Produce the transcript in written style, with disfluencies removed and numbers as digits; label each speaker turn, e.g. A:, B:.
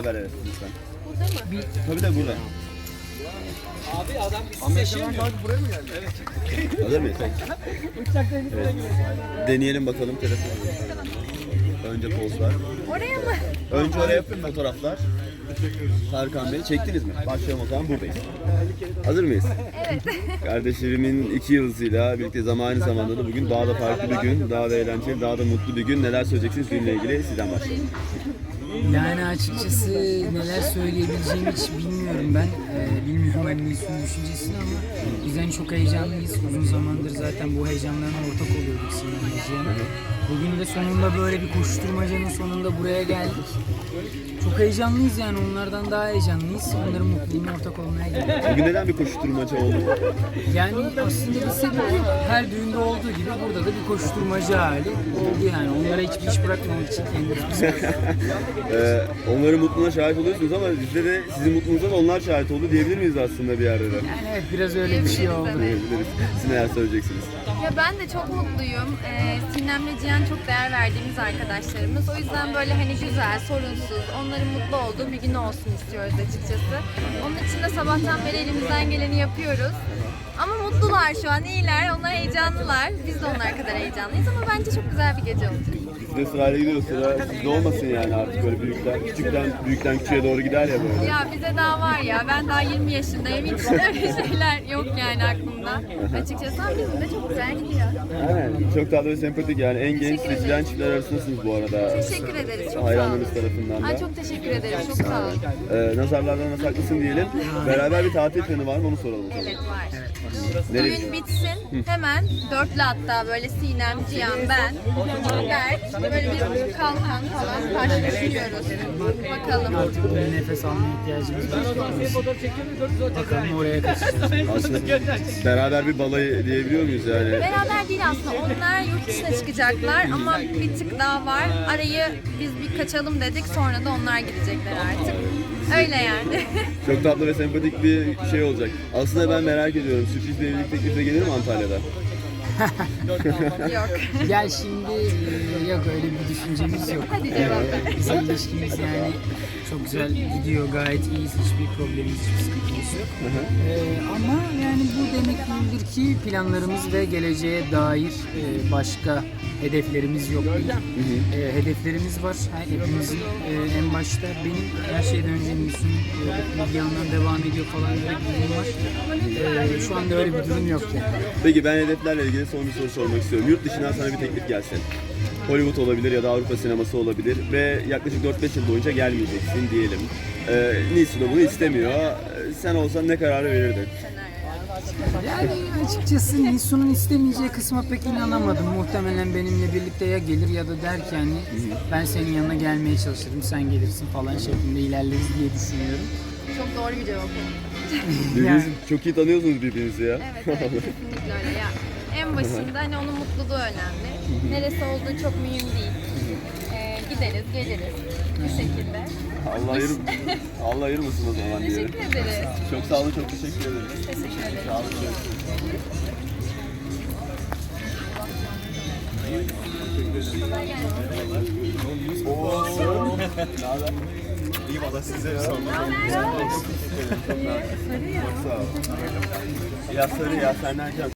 A: Beraber evet lütfen.
B: Burada mı?
A: Tabii de burada.
C: Abi adam bir seçemiyor.
D: Buraya mı geldi?
C: Evet.
A: Hazır mıyız? Evet. Deneyelim bakalım telefonu. Önce pozlar.
B: Oraya mı?
A: Önce oraya yapın fotoğraflar. Tarkan Bey çektiniz mi? Başlayalım o zaman buradayız. Hazır mıyız?
B: Evet.
A: Kardeşlerimin 2 yıldızıyla birlikte aynı zamanda da bugün daha da farklı bir gün, daha da eğlenceli, daha da mutlu bir gün. Neler söyleyeceksiniz günle ilgili? Sizden başlayalım.
E: Yani açıkçası neler söyleyebileceğimi hiç bilmiyorum ben. Bilmiyorum hani Nilsu'nun düşüncesini ama biz hani çok heyecanlıyız. Uzun zamandır zaten bu heyecanlarına ortak oluyorduk Sinan. Bugün de sonunda böyle bir koşturmacanın sonunda buraya geldik. Çok heyecanlıyız yani onlardan daha heyecanlıyız. Onların mutluluğuna ortak olmaya geldik.
A: Bugün neden bir koşuşturmaca oldu?
E: Yani aslında bir sebebi her düğünde olduğu gibi burada da bir koşturmaca hali oldu yani. Onlara hiçbir iş bırakmamak için kendimiz.
A: Onların mutluluğuna şahit oluyorsunuz ama bizde de sizin mutluluğunuza da onlar şahit oldu diyebilir miyiz aslında bir yerde de?
E: Yani evet biraz öyle bir şey oldu.
A: Diyebiliriz. Siz neler söyleyeceksiniz?
B: Ya ben de çok mutluyum. Sinem'le Cihan çok değer verdiğimiz arkadaşlarımız. O yüzden böyle hani güzel, sorunsuz, onların mutlu olduğu bir gün olsun istiyoruz açıkçası. Onun için de sabahtan beri elimizden geleni yapıyoruz. Ama mutlular şu an, iyiler. Onlar heyecanlılar. Biz de onlar kadar heyecanlıyız ama bence çok güzel bir gece olacak.
A: Biz de sırayla gidiyoruz. Sıra sizde olmasın yani artık böyle büyükten küçüğe doğru gider ya böyle.
B: Ya bize daha var ya, ben daha 20 yaşındayım. Hiç öyle şeyler yok yani aklımda. Açıkçası ama bizim de çok güzel gidiyor.
A: Aynen. Çok tatlı ve sempatik yani. En genç
B: Teşekkür ederim.
A: seçilen çiftler arasındasınız bu arada.
B: Teşekkür ederiz. Çok sağ olun.
A: Hayranlarınız tarafından da.
B: Ay çok teşekkür ederim. Çok sağ olun.
A: Nazarlardan saklısın diyelim. Beraber bir tatil planı var mı onu soralım.
B: Evet var.
A: Nereye?
B: Düğün bitsin hemen dörtlü hatta böyle Sinem, Cihan, ben, Berk böyle bir kalkan falan karşılaşıyoruz. Bakalım.
E: Artık böyle nefes almaya ihtiyacımız var. Bakalım oraya kaçacağız.
A: Aslında beraber bir balayı diyebiliyor muyuz yani?
B: Beraber değil aslında, onlar yurt dışına çıkacaklar ama bir tık daha var. Arayı biz bir kaçalım dedik, sonra da onlar gidecekler artık. Öyle yani.
A: Çok tatlı ve sempatik bir şey olacak. Aslında ben merak ediyorum. Sürpriz bir evlilik teklifi gelir mi Antalya'da?
B: Yok.
E: Gel şimdi yok öyle bir düşüncemiz yok.
B: Hadi cevap ver.
E: Bizim ilişkimiz yani çok güzel gidiyor, gayet iyiyiz, hiçbir problemimiz, hiçbir sıkıntımız yok. Ama yani bu demek değildir ki planlarımız ve geleceğe dair başka hedeflerimiz yok değil. Hedeflerimiz var. Hepimizin en başta benim her şeyden önce Nilsu'nun bir yandan devam ediyor falan öyle bir durum var. Şu anda öyle bir durum yok yani.
A: Peki ben hedeflerle ilgili son bir soru sormak istiyorum. Yurt dışından sana bir teklif gelse. Hollywood olabilir ya da Avrupa sineması olabilir ve yaklaşık 4-5 yıl boyunca gelmeyeceksin diyelim. Nilsu da bunu istemiyor. Sen olsan ne kararı verirdin?
E: Yani açıkçası Nilsu'nun istemeyeceği kısma pek inanamadım. Muhtemelen benimle birlikte ya gelir ya da der ki hani ben senin yanına gelmeye çalışırım, sen gelirsin falan şeklinde ilerleriz diye düşünüyorum.
B: Çok doğru bir cevap oldu.
A: Birbirinizi çok iyi tanıyorsunuz birbirinizi ya.
B: Evet, kesinlikle öyle ya. En başında hani onun mutluluğu önemli. Neresi olduğu çok mühim değil. Gideriz, geliriz bu şekilde.
A: Allah ayırmasın o zaman diye.
B: Teşekkür ederiz.
A: Çok sağ olun, çok teşekkür ederim.
B: Teşekkür ederim.
A: Sağ olun.
B: Kolay gelsin.
A: İyi valla size ya.
B: Sarı ya.
A: Ya sarı ya senden can.